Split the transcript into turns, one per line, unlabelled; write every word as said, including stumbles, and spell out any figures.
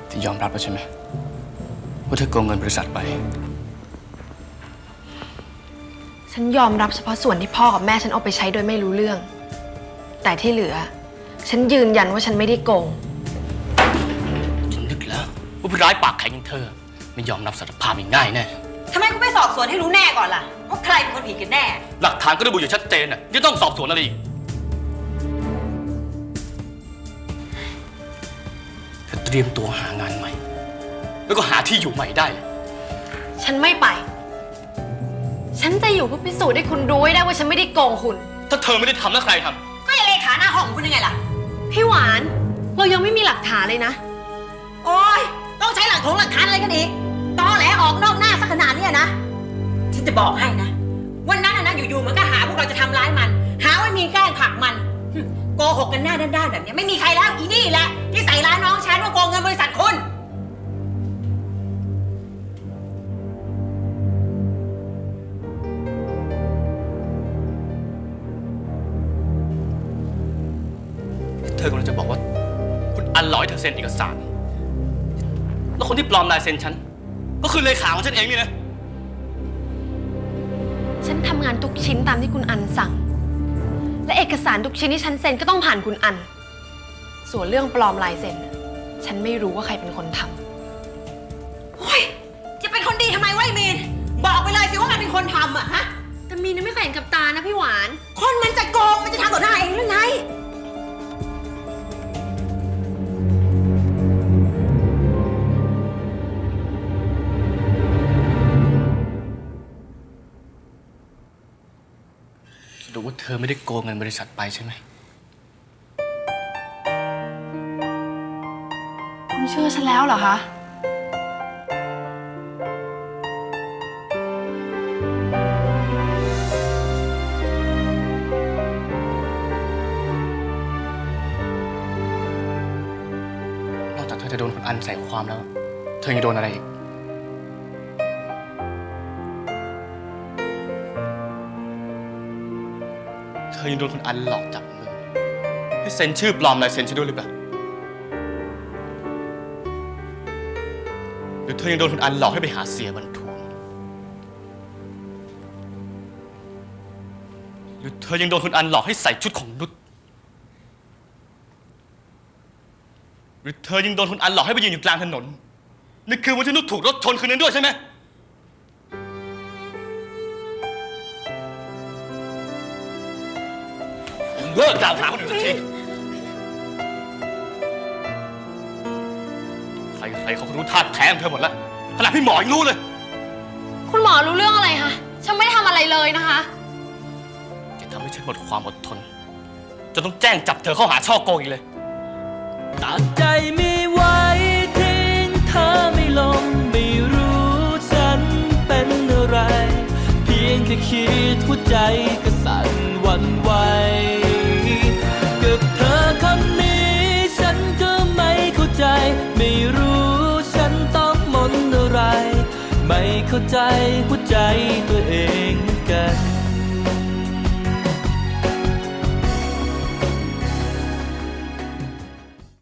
ที่ยอมรับแล้วใช่ไหมว่าเธอโกงเงินบริษัทไป
ฉันยอมรับเฉพาะส่วนที่พ่อกับแม่ฉันเอาไปใช้โดยไม่รู้เรื่องแต่ที่เหลือฉันยืนยันว่าฉันไม่ได้โกง
ฉันนึกแล้วว่าผู้ร้ายปากแข็งอย่างเธอไม่ยอมรับสารภาพง่ายๆแน่
ทำไมคุณไม่สอบสวนให้รู้แน่ก่อนล่ะว่าใครเป็นคนผิดกันแน่
หลักฐานก็ระบุอยู่ชัดเจนน่ะยังต้องสอบสวนอะไรอีกเธอเตรียมตัวหางานใหม่แล้วก็หาที่อยู่ใหม่ได้เลย
ฉันไม่ไปฉันจะอยู่เพื่อพิสูจน์ให้คุณรู้ให้ได้ว่าฉันไม่ได้โกงคุณ
ถ้าเธอไม่ได้ทำแล้วใครทำ
ก็อย่าเลขาหน้าห้องของคุณยังไงล่ะ
พี่หวานเรายังไม่มีหลักฐานเลยนะ
โอ๊ยต้องใช้หลักฐานหลักฐานอะไรกันอีกตอแหลออกนอกหน้าสักขนาดนี้นะฉันจะบอกให้นะวันนั้นนะอยู่ๆมันก็หาพวกเราจะทำร้ายมันหาว่ามีแกล้งผลักมันโกหกกันหน้าด้านๆแบบนี้ไม่มีใครแล้วอีนี่แหละที่ใส่ร้ายน้องฉันว่าโกงเงินบริษัทคุณ
เธอกำลังจะบอกว่าคุณอันหลอยเธอเซ็นเอกสารแล้วคนที่ปลอมลายเซ็นฉันก็คือเลขาของฉันเองนี่นะ
ฉันทำงานทุกชิ้นตามที่คุณอันสั่งและเอกสารทุกชิ้นที่ฉันเซ็นก็ต้องผ่านคุณอันส่วนเรื่องปลอมลายเซ็นฉันไม่รู้ว่าใครเป็นคนท
ำโอ้ยจะเป็นคนดีทำไมวะไอ้มีนบอกไปเลยสิว่ามันเป็นคนทำอะฮะ
แต่มีนไม่เคยเห็นกับตานะพี่หวาน
คนมันจะโกงมันจะทำต่อหน้าเองหรือไง
ดูว่าเธอไม่ได้โกงเงินบริษัทไปใช่ไหม
คุณเชื่อฉันแล้วเหรอคะ
นอกจากเธอจะโดนคุณอันใส่ความแล้วเธอยังโดนอะไรอีกเธอยังโดนคุณอันหลอกจับมือให้เซ็นชื่อปลอมลายเซ็นฉันด้วยหรือเปล่าหรือเธอยังโดนคุณอันหลอกให้ไปหาเสียบรรทุนหรือเธอยังโดนคุณอันหลอกให้ใส่ชุดของนุชหรือเธอยังโดนคุณอันหลอกให้ไปยืนอยู่กลางถนนนี่คือวันที่นุชถูกรถชนคืนนั้นด้วยใช่ไหมเลิกกล่าวหาคนอื่นสักทีใครใครเขาก็รู้ท่าแท้ของเธอหมดแล้วขนาดพี่หมอยังรู้เลย
คุณหมอรู้เรื่องอะไรคะฉันไม่ได้ทำอะไรเลยนะคะ
จะทำให้ฉันหมดความอดทนจนต้องแจ้งจับเธอเข้าหาช่อโกงอีกเลย
ตัดใจไม่ไหวทิ้งเธอไม่ลงไม่รู้ฉันเป็นอะไรเพียงแค่คิดหัวใจก็สั่นหวั่นไหวกับเธอคำนี้ฉันก็ไม่เข้าใจไม่รู้ฉันต้องมนอะไรไม่เข้าใจหัวใจตัวเองเหมือนกัน